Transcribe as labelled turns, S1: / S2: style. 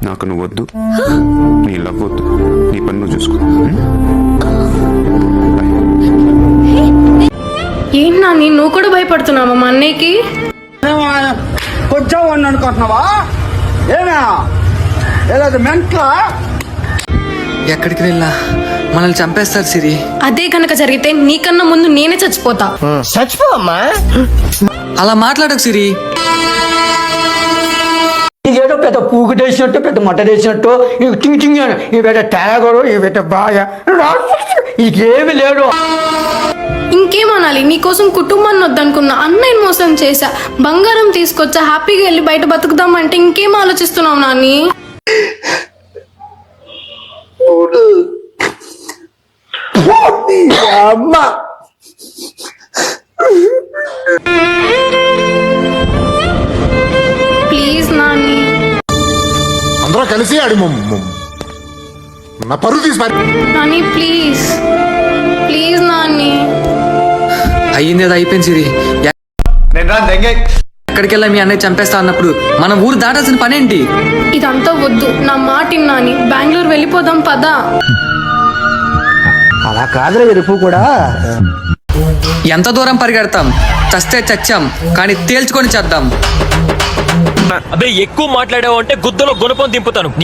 S1: నాకు నువ్వు వద్దు, నీ లవ్ వద్దు, నీ పని నువ్వు చూసుకో.
S2: ఏంటి నాని, నువ్వు కూడా భయపడుతున్నావా మా అన్నయ్యకి?
S3: కొంచెం వాడిని అనుకుంటున్నావా? ఏనా ఏదో మెంట్లా?
S4: ఎక్కడికి వెళ్ళా మనల్ని చంపేస్తారు సిరి.
S2: అదే కనుక జరిగితే నీకన్నా ముందు నేనే చచ్చిపోతా.
S3: చచ్చిపోమ్మా.
S4: అలా మాట్లాడకు సిరి.
S3: ఇదేదో పెద్ద పూగుటేసినట్టు, పెద్ద మట్టడేసినట్టు, చింగ్ ఈ పెద్ద తేగడు, ఈ పెద్ద బాగా ఇదేమి లేడు.
S2: ఇంకేమనాలి? నీకోసం కుటుంబాన్ని వద్దనుకున్నా, అన్నయ్యని మోసం చేశా, బంగారం తీసుకొచ్చా, హ్యాపీగా వెళ్ళి బయట బతుకుదామంటే ఇంకేం ఆలోచిస్తున్నావు నాని?
S3: అమ్మా
S2: ప్లీజ్ నాని.
S5: అందరూ కలిసి ఆడి నా పరువు తీసి
S2: నాని ప్లీజ్, ప్లీజ్ నాని.
S4: అయ్యింది అది అయిపోయింది సిరి. ఎక్కడికి వెళ్ళా మీ అన్నయ్య చంపేస్తా అన్నప్పుడు మనం ఊరు దాటాల్సిన పనేంటి?
S2: ఇదంతా వద్దు, నా మాట నాని. బెంగళూరు వెళ్ళిపోదాం పదా.
S3: అలా కాదురా ఎరుపు కూడా.
S4: ఎంత దూరం పరిగెడతాం? చస్తే చచ్చాం, కానీ తేల్చుకొని చేద్దాం.
S6: అబ్బే ఎక్కువ మాట్లాడావు అంటే గుద్దలో గుణపం దింపుతాను.